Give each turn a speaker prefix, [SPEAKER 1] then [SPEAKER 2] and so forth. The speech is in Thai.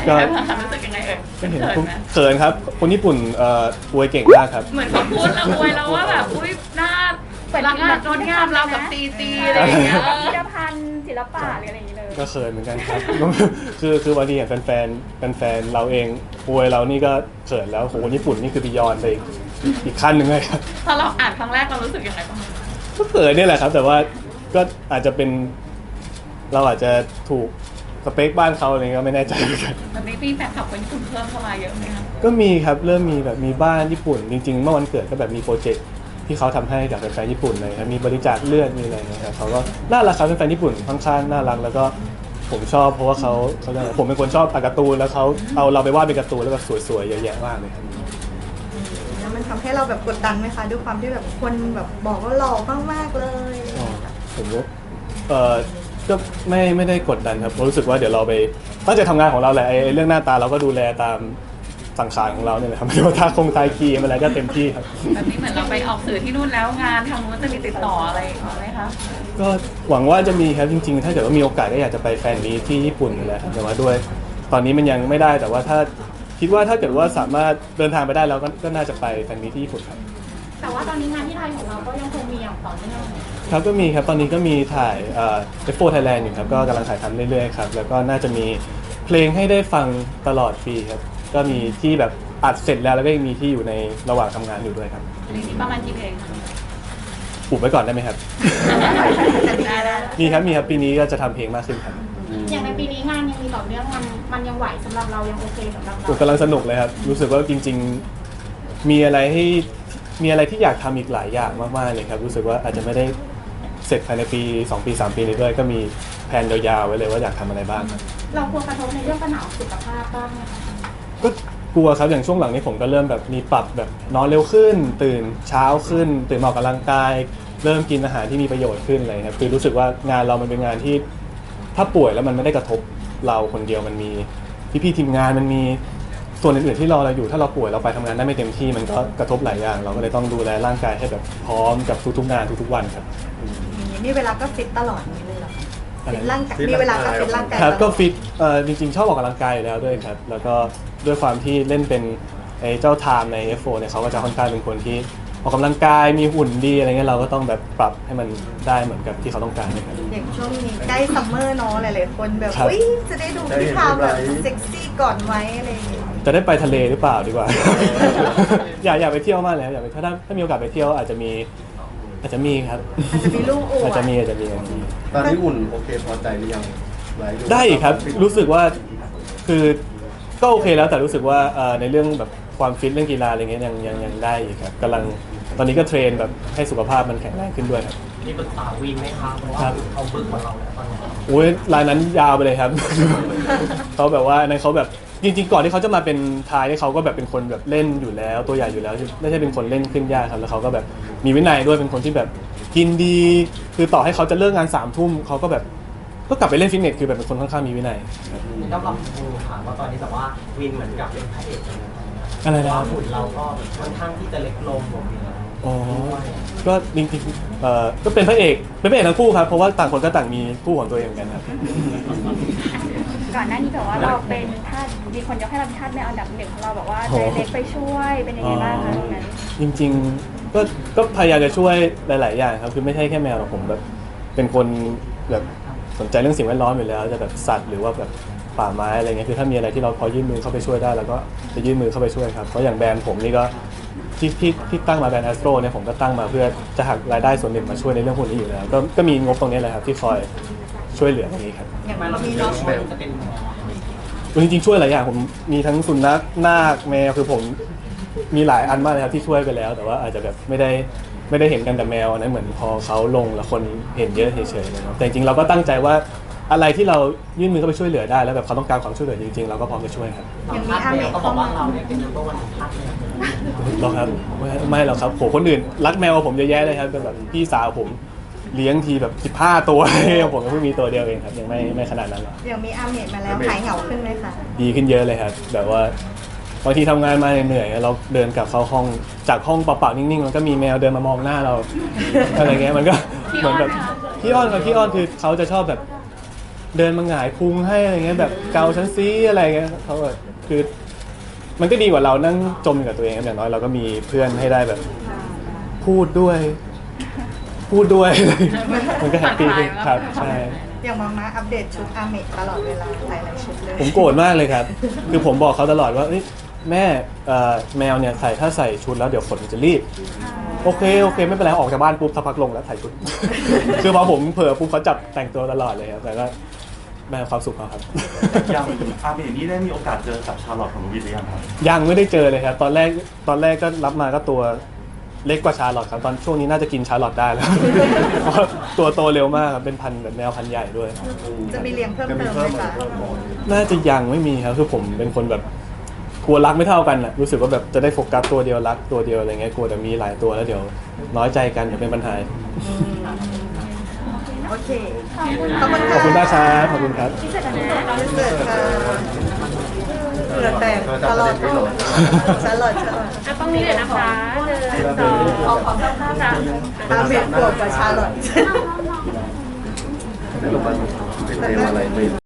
[SPEAKER 1] ก็
[SPEAKER 2] รู้สึกยังไงเ
[SPEAKER 1] ห็น
[SPEAKER 2] ขินไหม
[SPEAKER 1] เขินครับคนญี่ปุ่นอวยเก่งมากครับ
[SPEAKER 2] เหมือนเขาพูดแล้วอวยแล้วว่าแบบอุ้ยหน้ารักงานงดงามเรากับตีอะไรอย่างเงี้ย
[SPEAKER 3] พิพิธภัณฑ์ศิลปะหรืออะไรอย่างเงี้ยเลย
[SPEAKER 1] ก็เขินเหมือนกันครับ คือบางทีอย่างแฟนเราเองอวยเรานี่ก็เขินแล้วโหคนญี่ปุ่นนี่คือบียอนไปอีกขั้นหนึ่งเลยครับ
[SPEAKER 2] พอเราอ่านครั้งแรกเรารู้สึกยังไงบ้าง
[SPEAKER 1] ก็เขินนี่แหละครับแต่ว่าก็อาจจะเป็นเราอาจจะถูกสเปคบ้านเขาอะไรก็ไม่แน่ใจเหมือนกัน
[SPEAKER 2] ตอนนี้มีแฟนคลับคนญี่ปุ่นเพิ่มเข้ามาเยอะไหมคะ
[SPEAKER 1] ก็มีครับเริ่มมีแบบมีบ้านญี่ปุ่นจริงๆเมื่อวันเกิดก็แบบมีโปรเจกต์ที่เขาทำให้กับแฟนๆญี่ปุ่นเลยครับมีบริจาคเลือดมีอะไรนะครับเขาก็น่ารักครับแฟนๆญี่ปุ่นค่อนข้างน่ารักแล้วก็ผมชอบเพราะว่าเขาผมเป็นคนชอบอ่านการ์ตูนแล้วเขาเอาเราไปวาดเป็นการ์ตูนแล้วแบบสวยๆเยอะแยะมากเลยครับ
[SPEAKER 4] แล้วมันทำให้เราแบบกดดันไหมคะด้วยความที่แบบคนแบบบอกว่าหล่อมากๆเลย
[SPEAKER 1] ผมก็ก็ไม่ได้กดดันครับรู้สึกว่าเดี๋ยวเราไปตั้งใจทำงานของเราแหละไอ้เรื่องหน้าตาเราก็ดูแลตามสังขารของเราเนี่ยแหละครับไม่ว่าทาทายครีมอะไรก็เต็มที่ครับ
[SPEAKER 2] แบบนี้เหมือนเราไปออกสื่อที่นู่นแล้วงานทางนู้นจะมีติดต่ออะไรไหมคะ
[SPEAKER 1] ก็หวังว่าจะมีครับจริงๆถ้าเกิดว่ามีโอกาสก็อยากจะไปแฟนมีตที่ญี่ปุ่นนี่แหละแต่ว่าด้วยตอนนี้มันยังไม่ได้แต่ว่าถ้าคิดว่าถ้าเกิดว่าสามารถเดินทางไปได้แล้วก็น่าจะไปแฟนมีตที่ญี่ปุ่นครับ
[SPEAKER 3] แต่ว่าตอนนี้งานที่ไทยของเราก็ยังคงมีอย่างต่อเนื่อง
[SPEAKER 1] ครับก็มีครับตอนนี้ก็มีถ่ายF4 Thailand อยู่ครับก็กำลังถ่ายทำเรื่อยๆครับแล้วก็น่าจะมีเพลงให้ได้ฟังตลอดปีครับก็มีที่แบบอัดเสร็จแล้วก็ยังมีที่อยู่ในระหว่างทำงานอยู่ด้วยครับ
[SPEAKER 2] ปีนี้ประมาณกี่เพลงคะ
[SPEAKER 1] อุบไว้ก่อนได้ไหมครับมีครับปีนี้ก็จะทำเพลงมากขึ้นครับ
[SPEAKER 3] อย่างในปีนี้งานยังมีต่อเนื่องมันยังไหวสำหรับเรายังโอเคสำหรับเรา
[SPEAKER 1] กำลังสนุกเลยครับรู้สึกว่าจริงๆมีอะไรที่อยากทำอีกหลายอย่างมากๆเลยครับรู้สึกว่าอาจจะไม่ได้เสร็จภายในปี2 ปี 3 ปีนี้ด้วยก็มีแผนยาวๆไว้เลยว่าอยากทำอะไรบ้างครับ
[SPEAKER 3] เรากลัวกระทบในเรื่องปัญหาสุขภาพบ้างไหมคะ
[SPEAKER 1] ก็กลัวครับอย่างช่วงหลังนี้ผมก็เริ่มแบบมีปรับแบบนอนเร็วขึ้นตื่นเช้าขึ้นตื่นมาออกกำลังกายเริ่มกินอาหารที่มีประโยชน์ขึ้นอะไรครับคือรู้สึกว่างานเรามันเป็นงานที่ถ้าป่วยแล้วมันไม่ได้กระทบเราคนเดียวมันมีพี่ๆทีมงานมันมีส่วนอื่นๆที่รอเราอยู่ถ้าเราป่วยเราไปทำงานได้ไม่เต็มที่มันก็กระทบหลายอย่างเราก็เลยต้องดูแลร่างกายให้แบบพร้อมกับทุกๆงานทุกๆวันครับ
[SPEAKER 4] นี่เวลาก็ฟิตตลอดนี้เลยเหรอฟิตร่างกายมีเวลาก็ฟิตร่างกาย
[SPEAKER 1] ครับก็ฟิตจริงๆชอบออกกำลังกายอยู่แล้วด้วยครับแล้วก็ด้วยความที่เล่นเป็นไอ้เจ้าไทม์ใน F4 เนี่ยเขาก็จะค่อนข้างเป็นคนที่ออกกำลังกายมีหุ่นดีอะไรเงี้ยเราก็ต้องแบบปรับให้มันได้เหมือนกับที่เขาต้องการนะครับ
[SPEAKER 4] อย่างช่วงนี้ใกล้ซัมเมอร์เนาะหลายๆคนแบบอุ้ยจะได้ดูพี่พาแบบเซ็กซี่ก่อนไหมอะไรอย่างเงี้ย
[SPEAKER 1] จะได้ไปทะเลหรือเปล่าดีกว่า อยากไปเที่ยวมากเลยอยากไปถ้ามีโอกาสไปเที่ยวอาจจะมีครับ
[SPEAKER 4] อาจจะมีลูกอวด
[SPEAKER 1] อาจจะมี
[SPEAKER 5] ตอนนี้อุ่นโอเคพอใจหรือยัง
[SPEAKER 1] ได้ครับรู้สึกว่าคือก็โอเคแล้วแต่รู้สึกว่าในเรื่องแบบความฟิตเรื่องกีฬาอะไรเงี้ยยังได้อีกครับกำลังตอนนี้ก็เทรนแบบให้สุขภาพมันแข็งแรงขึ้นด้วยครับ
[SPEAKER 6] มีปรึกษาวินไหมครับเพราะว่าเขาบึ้งกว่าเราแล้วตอนนี้
[SPEAKER 1] โอ้ยรายนั้นยาวไปเลยครับ เขาแบบว่าในเขาแบบจริงๆก่อนที่เขาจะมาเป็นทายเขาก็แบบเป็นคนแบบเล่นอยู่แล้วตัวใหญ่อยู่แล้วไม่ใช่เป็นคนเล่นขึ้นยากครับแล้วเขาก็แบบมีวินัยด้วยเป็นคนที่แบบกินดีคือต่อให้เขาจะเลิกงาน3 ทุ่มเขาก็แบบก็กลับไปเล่นฟิตเนสคือแบบเป็นคนค่อนข้างมีวินัย
[SPEAKER 6] ต้องลองดูค่ะว่าตอนนี้แบบว่าวินเหมือนกับเป็นพระเอก
[SPEAKER 1] อะไรนะ
[SPEAKER 6] หุ่นเราก็ค่อนข้างที่จะเล็กลง
[SPEAKER 1] อ๋อก็จริงๆก็เป็นพระเอกทั้งคู่ครับเพราะว่าต่างคนก็ต่างมีคู่ของตัวเองเหมือนกันครับ
[SPEAKER 3] ก่อนหน้านี้แบบว่าเราเป็นทาสมีคนยกให้เราเป็นทาสแมวอันดับ 1ของเราบอกว่าใจเล็กไปช่วยเป็นยังไงบ้างคะตรงนั้น
[SPEAKER 1] จริงๆก็พยายามจะช่วยหลายๆอย่างครับคือไม่ใช่แค่แมวหรอกผมแบบเป็นคนแบบสนใจเรื่องสิ่งแวดล้อมอยู่แล้วจะแบบสัตว์หรือว่าแบบป่าไม้อะไรเงี้ยคือถ้ามีอะไรที่เราพอยื่นมือเข้าไปช่วยได้แล้วก็จะยื่นมือเข้าไปช่วยครับเพราะอย่างแบรนด์ผมนี่ก็ที่ตั้งมาแบรนด์ Astro เนี่ยผมก็ตั้งมาเพื่อจะหักรายได้ส่วนหนึ่งมาช่วยในเรื่องพวกนี้อยู่แล้วก็มีงบตรงนี้แหละครับที่คอยช่วยเหลือตรงนี้ครับ
[SPEAKER 6] อย่างเรามีน้องแมวจะเป็น
[SPEAKER 1] จริงๆช่วยหลายอย่างผมมีทั้งสุนัขนาคแมวคือผมมีหลายอันมากเลยครับที่ช่วยไปแล้วแต่ว่าอาจจะแบบไม่ได้เห็นกันแต่แมวนะเหมือนพอเขาลงแล้วคนเห็นเยอะเฉยๆเลยเนาะแต่จริงๆเราก็ตั้งใจว่าอะไรที่เรายื่นมือเข้าไปช่วยเหลือได้แล้วแบบเขาต้องการความช่วยเหลือจริงๆเราก็พร้อมจะช่วยครับ
[SPEAKER 4] อย่างนี้อาเมะ
[SPEAKER 6] เขาบอกว่าเราเนี่ยเป็นนัมเบอร์วันของพักเลย
[SPEAKER 1] หรอครับไม่หรอกครับโหคนอื่นรักแมวผมเยอะแยะเลยครับเป็นแบบพี่สาวผมเลี้ยงทีแบบ15 ตัวผมก็เพิ่งมีตัวเดียวเองครับยังไม่ขนาดนั้นหรอก
[SPEAKER 4] อย่างมีอาเมะมาแล้วหายเหงาขึ้นไหมคะ
[SPEAKER 1] ดีขึ้นเยอะเลยครับแบบว่าบางทีทำงานมาเหนื่อยเราเดินกลับเข้าห้องจากห้องเปล่าๆนิ่งๆมันก็มีแมวเดินมามองหน้าเราอะไรเงี้ยมันก็เหมือนแบบพี่อ้อนคือเขาจะชอบแบบเดินมาหงายพุงให้อะไรเงี้ยแบบเกาชั้นซีอะไรเงี้ยเขาแบบคือมันก็ดีกว่าเรานั่งจมอยู่กับตัวเองครับอย่างน้อยเราก็มีเพื่อนให้ได้แบบพูดด้วย มันก็แฮปปี้ขึ้นครับใช่
[SPEAKER 4] อย่างมาอัปเดตชุดอาเมะตลอดเวลาหลายๆชุดเลย
[SPEAKER 1] ผมโกรธมากเลยครับ คือผมบอกเขาตลอดว่าเอ้ยแม่แมวเนี่ยถ้าใส่ชุดแล้วเดี๋ยวขนมันจะรีบ โอเคไม่เป็นไรออกจากบ้านปุ๊บสักพักลงแล้วใส่ชุด คือพอผมเผลอปุ๊บเขาจับแต่งตัวตลอดเลยครับแต่ก็แม่ความสุขเขาครับ
[SPEAKER 7] ยังอาเมนี่ได้มีโอกาสเจอกับชาร์ลอตของวินหรือยังครับ
[SPEAKER 1] ยังไม่ได้เจอเลยครับ ตอนแรกก็รับมาก็ตัวเล็กกว่าชาร์ลอตครับตอนช่วงนี้น่าจะกินชาร์ลอตได้แล้ว เพราะตัวโตเร็วมากครับเป็นพันธุ์แบบแมวพันธุ์ใหญ่ด้วย
[SPEAKER 4] จะมีเลี้ยงเพิ่มเติมไหมคะ
[SPEAKER 1] น่าจะยังไม่มีครับคือผมเป็นคนแบบกลัวรักไม่เท่ากันนะรู้สึกว่าแบบจะได้โฟกัสตัวเดียวรักตัวเดียวอะไรเงี้ยกลัวจะมีหลายตัวแล้วเดี๋ยวน้อยใจกันเดี๋ยวเป็นปัญหา
[SPEAKER 4] โอเค
[SPEAKER 1] ขอบคุณมากครับขอบคุณครับ
[SPEAKER 4] เสิร์ฟค่ะเหงื่อแตกตลอดฉันหลอด
[SPEAKER 2] จะต้องนี้เลยนะคะ1 2เอาของข้างๆจ้ะ
[SPEAKER 4] อาเมะโกรธกว่าชาลอต
[SPEAKER 5] ในโรงพยาบาลเป็นเรื่องอะไรไม่